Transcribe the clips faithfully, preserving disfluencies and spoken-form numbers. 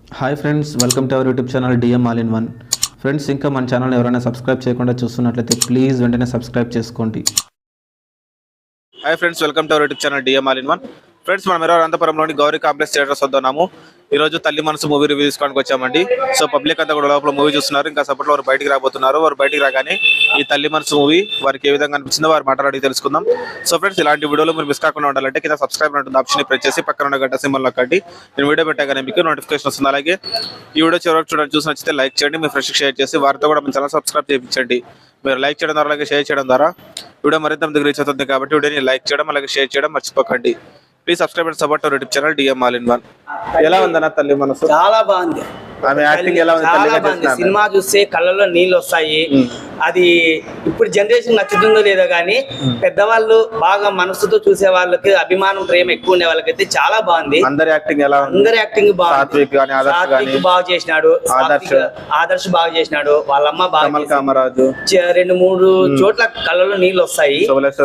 Hi friends, welcome to our YouTube channel DM all in one. Friends, ఇంకా మన channel ఎవరైనా subscribe చేయకుండా చూస్తున్నట్లయితే ప్లీజ్ వెంటనే సబ్స్క్రైబ్ చేసుకోండి. Hi friends, welcome to our YouTube channel DM all in one. Friends, మనం ఈరోజు అనంతపురంలోని Gauri complex theatres వద్దాము. ఈ రోజు తల్లి మనసు మూవీ రివ్యూ తీసుకోవడానికి వచ్చామండి. సో పబ్లిక్ అంతా కూడా లోపల మూవీ చూస్తున్నారు. ఇంకా సపోర్ట్లో వారు బయటికి రాబోతున్నారు. వారు బయటికి రాగానే ఈ తల్లి మనసు మూవీ వారికి ఏ విధంగా అనిపించిందో వారు మాట్లాడి తెలుసుకుందాం. సో ఫ్రెండ్స్, ఇలాంటి వీడియోలు మీరు మిస్ కాకుండా ఉండాలంటే కింద సబ్స్క్రైబ్ ఉంటుంది ఆప్షన్ ప్రెస్ చేసి పక్కన ఉన్న గంట సింబల్ నొక్కండి. నేను వీడియో పెట్టగానే మీకు నోటిఫికేషన్ వస్తుంది. అలాగే ఈ వీడియో చివరికి చూడండి, చూసి నచ్చితే లైక్ చేయండి, మీ ఫ్రెండ్స్కి షేర్ చేసి వారితో కూడా మన ఛానల్ సబ్స్క్రైబ్ చేయించండి. మీరు లైక్ చేయడం ద్వారా అలాగే షేర్ చేయడం ద్వారా వీడియో మరింత మందికి రీచ్ అవుతుంది. కాబట్టి వీడియోని లైక్ చేయడం అలాగే షేర్ చేయడం మర్చిపోకండి. Please subscribe and support our YouTube channel DM all in one. ఎలా ఉందన్న తల్లి మనసు? చాలా బాగుంది. ఆమె యాక్టింగ్ ఎలా ఉంది? చాలా బాగుంది. సినిమా చూస్తే కళ్ళలో నీళ్ళు వస్తాయి. అది ఇప్పుడు జనరేషన్ నచ్చుతుందో లేదో కానీ పెద్దవాళ్ళు బాగా మనసుతో చూసే వాళ్ళకి అభిమానం ప్రేమ ఎక్కువ ఉండే వాళ్ళకైతే చాలా బాగుంది. అందరి యాక్టింగ్ ఎలా ఉంది? అందరి యాక్టింగ్ బాగుంది. సాత్విక్ బాగా చేసినాడు, ఆదర్శ్ ఆదర్శ్ బాగా చేసినాడు, వాళ్ళమ్మ బాగా కామరాజు రెండు మూడు చోట్ల కళ్ళలో నీళ్ళు వస్తాయి.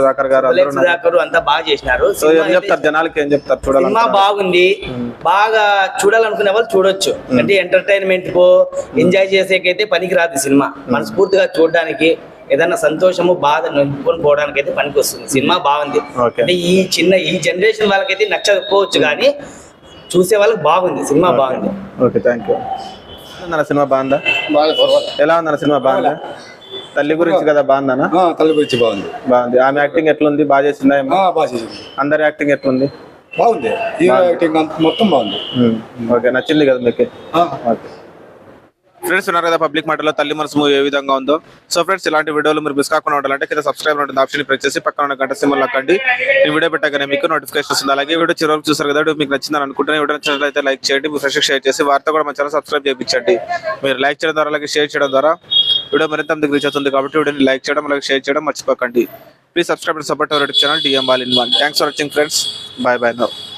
సుధాకర్ అంతా బాగా చేసినారు. జనాలకి ఏం చెప్తారు? చూడాలి, సినిమా బాగుంది. బాగా చూడాలనుకునే వాళ్ళు చూడొచ్చు. అంటే ఎంటర్టైన్మెంట్ కో ఎంజాయ్ చేసేకైతే పనికి రాదు సినిమా. మనస్ఫూర్తిగా చూడడానికి ఏదైనా సంతోషము బాధ నింపుకొని పోవడానికి అయితే పనికి వస్తుంది. సినిమా బాగుంది. అంటే ఈ చిన్న ఈ జనరేషన్ వాళ్ళకైతే నచ్చకపోవచ్చు కానీ చూసే వాళ్ళకి బాగుంది. సినిమా బాగుంది. Okay, thank you. సినిమా బాగుందా? ఎలా ఉందన్న సినిమా? బాగుందా? తల్లి గురించి కదా, బాగుందనా? తల్లి గురించి బాగుంది. బాగుంది. ఆమె యాక్టింగ్ ఎట్లుంది? బాగా చేసిందా? బాగా చేసింది. అందరి యాక్టింగ్ ఎట్లుంది? బాగుంది. హీరో యాక్టింగ్ మొత్తం బాగుంది. ఓకే, నచ్చింది కదా మీకు? ఓకే ఫ్రెండ్స్, ఉన్నారు కదా పబ్లిక్ మాటలో తల్లి మనసు మూవీ ఏ విధంగా ఉందో. సో ఫ్రెండ్స్, ఇలాంటి వీడియోలు మీరు మిస్ కాకుండా ఉండాలంటే కింద సబ్స్క్రైబ్ ఉంటుంది ఆప్షన్ ప్రెస్ చేసి పక్కన ఉన్న గంట సింబల్ నొక్కండి. ఈ వీడియో పెట్టగానే మీకు నోటిఫికేషన్ వస్తుంది. అలాగే వీడియో చివరికి చూసారు కదా, మీకు నచ్చిందని అనుకుంటున్నా. వీడియో నచ్చినట్లయితే లైక్ చేయండి, మీ ఫ్రెండ్స్కి షేర్ చేసి వారితో కూడా మన ఛానల్ సబ్స్క్రైబ్ చేయించండి. మీరు లైక్ చేయడం ద్వారా అలాగే షేర్ చేయడం ద్వారా వీడియో మరింత మందికి రీచ్ అవుతుంది. కాబట్టి వీడియోని లైక్ చేయడం అలాగే షేర్ చేయడం మర్చిపోకండి. Please subscribe and support our YouTube channel DM all in one. Thanks for watching friends. Bye bye now.